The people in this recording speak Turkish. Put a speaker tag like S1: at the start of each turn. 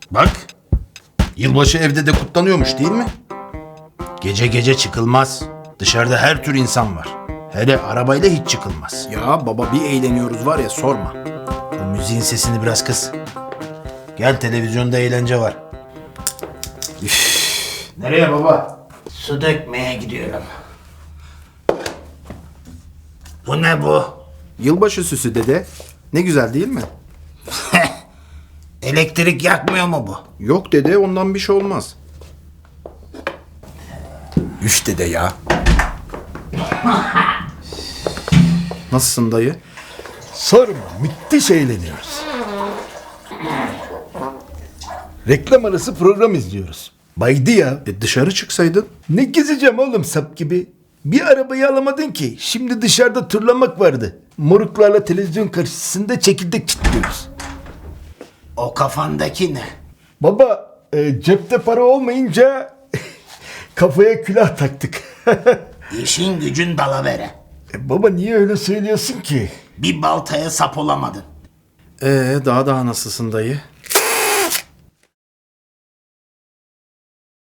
S1: Bak, yılbaşı evde de kutlanıyormuş değil mi? Gece gece çıkılmaz. Dışarıda her tür insan var. Hele arabayla hiç çıkılmaz.
S2: Ya baba bir eğleniyoruz var ya sorma.
S1: O müziğin sesini biraz kıs. Gel, televizyonda eğlence var. Nereye baba?
S3: Su dökmeye gidiyorum. Bu ne bu?
S2: Yılbaşı süsü dede. Ne güzel değil mi?
S3: Elektrik yakmıyor mu bu?
S2: Yok dede ondan bir şey olmaz. Üf dede ya. Nasılsın dayı?
S4: Sorma, müthiş eğleniyoruz. Reklam arası program izliyoruz. Baydı ya.
S2: Dışarı çıksaydın.
S4: Ne gezeceğim oğlum sap gibi. Bir arabayı alamadın ki. Şimdi dışarıda turlamak vardı. Moruklarla televizyon karşısında çekirdek çitliyoruz.
S3: O kafandaki ne?
S4: Baba cepte para olmayınca kafaya külah taktık.
S3: İşin gücün dalavere.
S4: Baba niye öyle söylüyorsun ki?
S3: Bir baltaya sap olamadın.
S2: Daha nasılsın dayı?